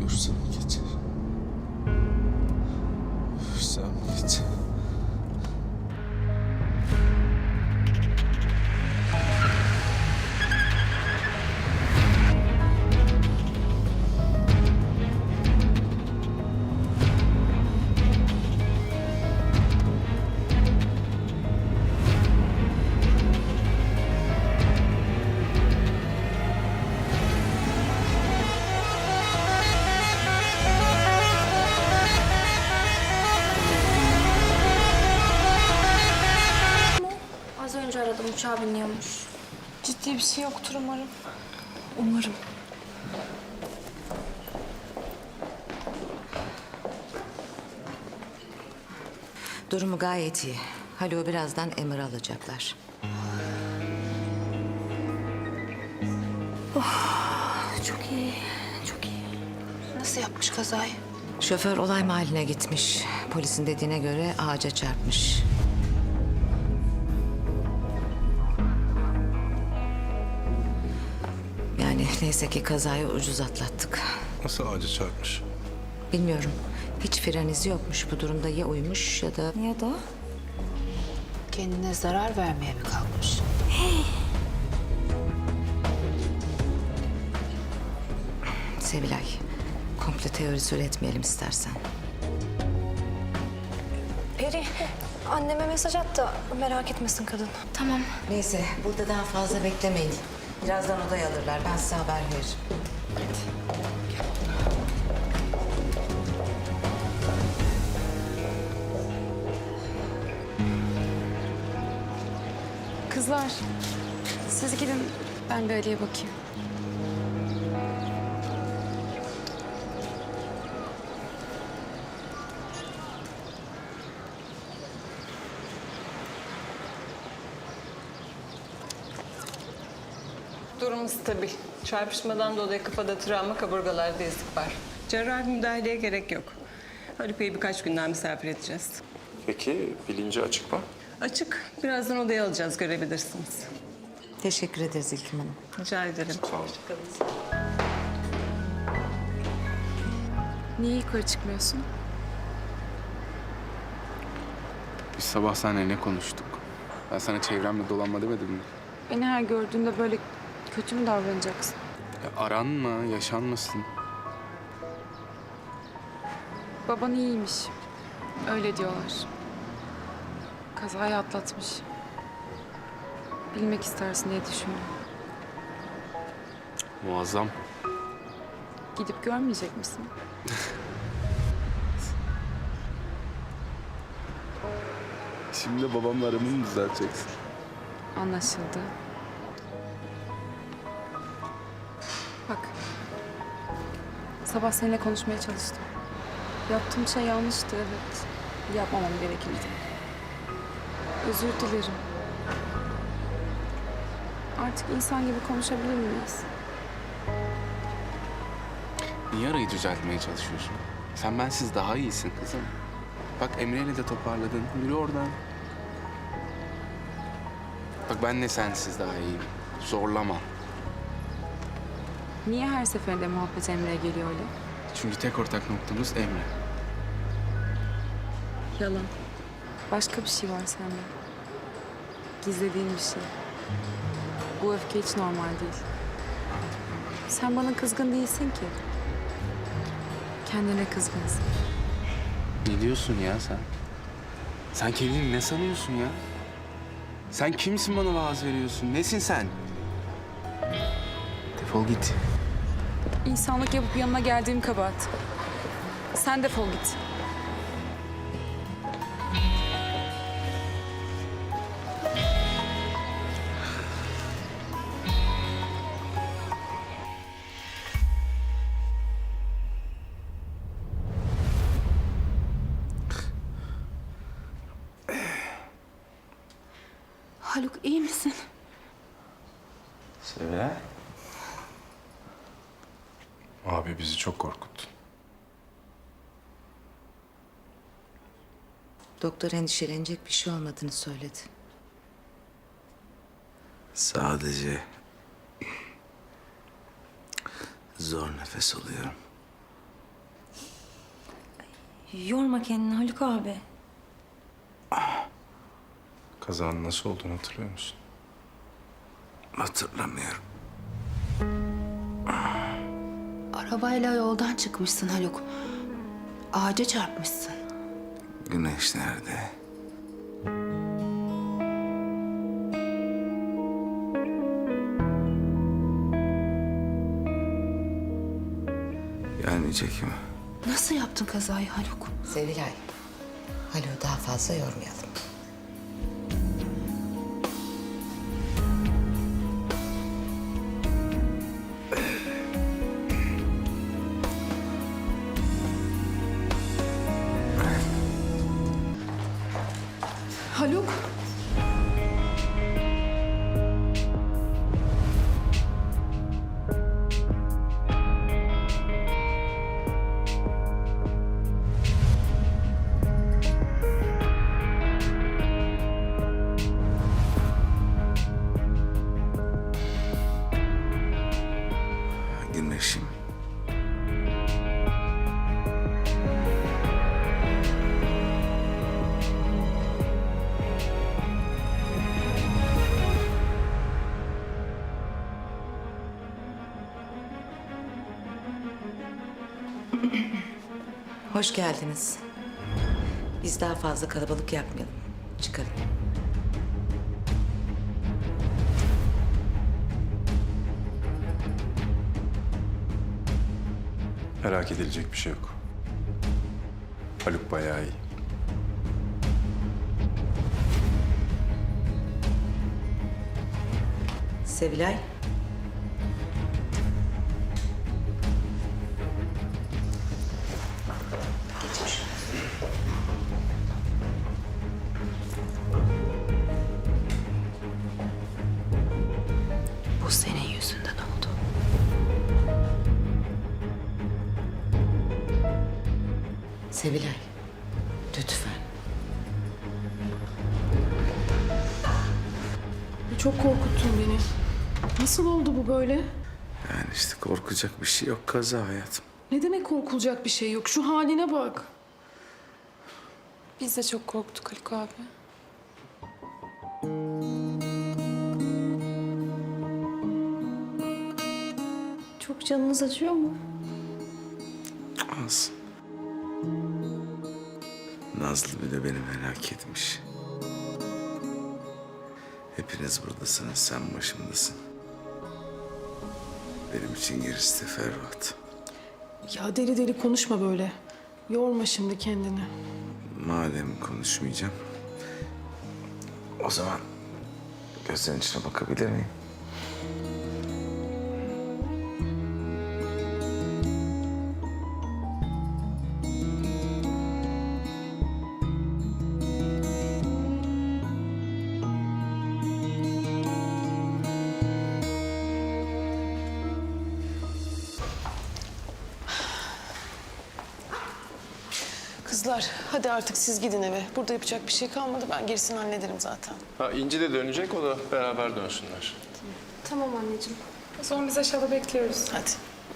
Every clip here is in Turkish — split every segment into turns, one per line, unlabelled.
Ölürsem geçer. Ölürsem geçer.
Az önce aradım, uçağa biniyormuş.
Ciddi bir şey yoktur umarım. Umarım.
Durumu gayet iyi. Haluk'u birazdan emir alacaklar.
Çok iyi, çok iyi. Nasıl yapmış kazayı?
Şoför olay mahalline gitmiş. Polisin dediğine göre ağaca çarpmış. Yani neyse ki kazayı ucuz atlattık.
Nasıl ağaca çarpmış?
Bilmiyorum. Hiç fren izi yokmuş. Bu durumda ya uymuş ya da...
Ya da?
Kendine zarar vermeye mi kalkmış?
Sevilay, komple teorisi üretmeyelim istersen.
Peri, anneme mesaj at da merak etmesin kadın. Tamam.
Neyse, burada daha fazla beklemeyin. Birazdan odaya alırlar. Ben size haber veririm.
Kızlar, siz gidin. Ben bir Ali'ye bakayım.
Durum stabil. Çarpışmadan dolayı kafada travma, kaburgalarda ezik var. Cerrahi müdahaleye gerek yok. Haluk Bey'i birkaç günden misafir edeceğiz.
Peki bilinci açık mı?
Açık. Birazdan odaya alacağız, görebilirsiniz.
Teşekkür ederiz İlkim Hanım.
Rica ederim.
Sağ olun.
Niye yukarı çıkmıyorsun?
Biz sabah seninle ne konuştuk? Ben sana çevremle dolanma demedim mi?
Beni her gördüğünde böyle kötü mü davranacaksın?
Ya aranma, yaşanmasın.
Baban iyiymiş. Öyle diyorlar. Kazayı atlatmış. Bilmek istersin diye düşündüm.
Muazzam.
Gidip görmeyecek misin?
Şimdi babamla aramı mı düzelteceksin?
Anlaşıldı. Bak. Sabah seninle konuşmaya çalıştım. Yaptığım şey yanlıştı, evet. Yapmamam gerekirdi. Özür dilerim. Artık insan gibi konuşabilir miyiz?
Niye arayı düzeltmeye çalışıyorsun? Sen bensiz daha iyisin kızım. Bak Emre'yle de toparladın. Yürü oradan. Bak ben de sensiz daha iyiyim. Zorlama.
Niye her seferinde muhabbet Emre'ye geliyor öyle?
Çünkü tek ortak noktamız Emre.
Yalan. Başka bir şey var sende. Gizlediğin bir şey. Bu öfke hiç normal değil. Sen bana kızgın değilsin ki. Kendine kızgınsın.
Ne diyorsun ya sen? Sen kendini ne sanıyorsun ya? Sen kimsin bana vaaz veriyorsun? Nesin sen? Defol git.
İnsanlık yapıp yanına geldiğim kabahat. Sen defol git. Haluk iyi misin?
Sevilay. Abi bizi çok korkuttun.
Doktor endişelenecek bir şey olmadığını söyledi.
Sadece zor nefes alıyorum.
Yorma kendini Haluk abi.
Kazanın nasıl olduğunu hatırlıyor musun?
Hatırlamıyorum.
Arabayla yoldan çıkmışsın Haluk. Ağaca çarpmışsın.
Güneş nerede? Gelmeyecek mi?
Nasıl yaptın kazayı Haluk?
Sevilay, Haluk'u daha fazla yormayalım.
Haluk.
Güneşim.
Hoş geldiniz. Biz daha fazla kalabalık yapmayalım. Çıkalım.
Merak edilecek bir şey yok. Haluk bayağı iyi.
Sevilay. Geçmiş.
Bu senin yüzünden oldu.
Sevilay, lütfen.
Çok korkuttun beni. Nasıl oldu bu böyle?
Yani işte korkacak bir şey yok, kaza hayatım.
Ne demek korkulacak bir şey yok? Şu haline bak.
Biz de çok korktuk Haluk abi.
Çok canınız acıyor mu?
Az. Nazlı bile beni merak etmiş. Hepiniz buradasınız, sen başımdasın. Benim için gerisi teferruat.
Ya deli deli konuşma böyle. Yorma şimdi kendini.
Madem konuşmayacağım, o zaman gözlerin içine bakabilir miyim?
Kızlar hadi artık siz gidin eve. Burada yapacak bir şey kalmadı. Ben gerisini hallederim zaten.
Ha İnci de dönecek, o da beraber dönsünler.
Tamam anneciğim.
O zaman biz aşağıda bekliyoruz.
Hadi.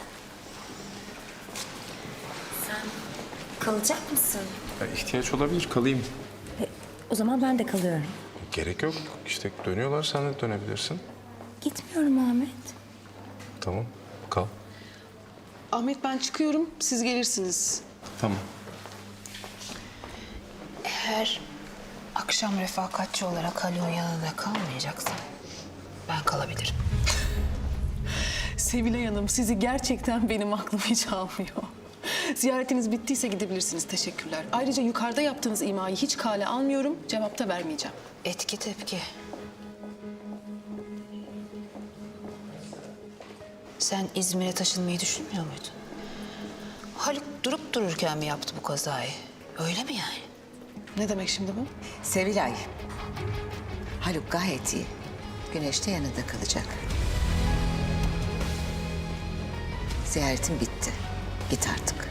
Kalacak mısın?
Ya ihtiyaç olabilir, kalayım.
O zaman ben de kalıyorum.
Gerek yok. İşte dönüyorlar, sen de dönebilirsin.
Gitmiyorum Ahmet.
Tamam, kal.
Ahmet ben çıkıyorum. Siz gelirsiniz.
Tamam.
Eğer akşam refakatçi olarak Haluk'un yanında kalmayacaksan ben kalabilirim.
Sevilay Hanım sizi gerçekten benim aklım hiç almıyor. Ziyaretiniz bittiyse gidebilirsiniz. Teşekkürler. Ayrıca yukarıda yaptığınız imayı hiç kale almıyorum. Cevap da vermeyeceğim.
Etki tepki. Sen İzmir'e taşınmayı düşünmüyor muydun? Haluk durup dururken mi yaptı bu kazayı? Öyle mi yani?
Ne demek şimdi bu?
Sevilay, Haluk gayet iyi. Güneş de yanında kalacak. Ziyaretin bitti. Git artık.